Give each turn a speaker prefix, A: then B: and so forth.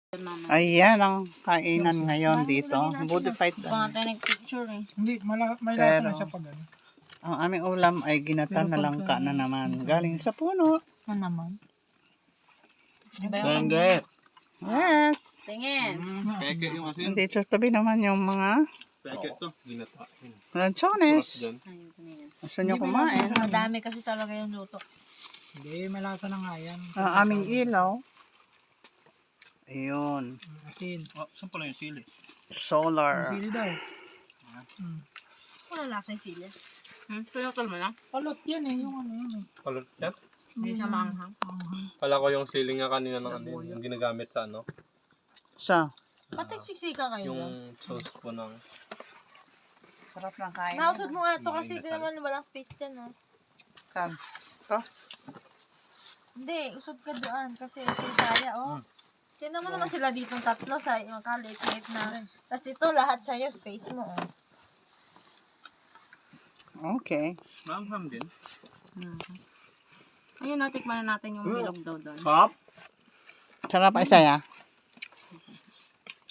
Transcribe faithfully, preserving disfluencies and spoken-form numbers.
A: Ayan ang kainan ngayon dito. Modified.
B: Baka tayo nag-picture eh.
C: Hindi, mala, may lasa
A: Pero,
C: na siya pag ano.
A: ang aming ulam ay ginata na langka na naman. Galing sa puno.
B: Na naman.
A: Genge. Yes.
B: Tingin.
D: Peke yung asin.
A: Hindi sa tabi naman yung mga
D: Peke to. Ginata.
A: lanchones.
D: Dyan.
B: Ayun ko na yan.
A: Gusto nyo kumain.
B: Madami kasi talaga yung luto.
C: Hindi, may lasa na nga yan.
A: Ang aming ilaw. Ayun.
C: Asin.
D: Oh, saan pala yung sili?
A: Solar.
C: Sili daw. Hmm.
B: Wala lasa yung sili. Hmm? Pinutol mo lang?
C: Palot yan eh, yung ano yun eh.
D: Palot yan?
B: Hindi siya maanghang.
D: Kala ko yung sili nga kanina ng ano yun, yung ginagamit sa ano.
A: Sa.
B: Ba't nagsisika kayo dyan?
D: Yung sauce po ng...
A: Sarap ng kain.
B: Nausod mo nga ito kasi di naman walang space dyan oh.
A: Saan? Ito?
B: Hindi, usod ka doon kasi si Saya oh. Tignan mo naman sila ditong tatlo sa yung kalit-lit na. Tapos ito lahat sa'yo, space mo oh.
A: Okay.
D: Maanghang din.
B: Ayun, natikman na natin yung bilog daw doon.
D: Sarap.
A: Sarap ay saya.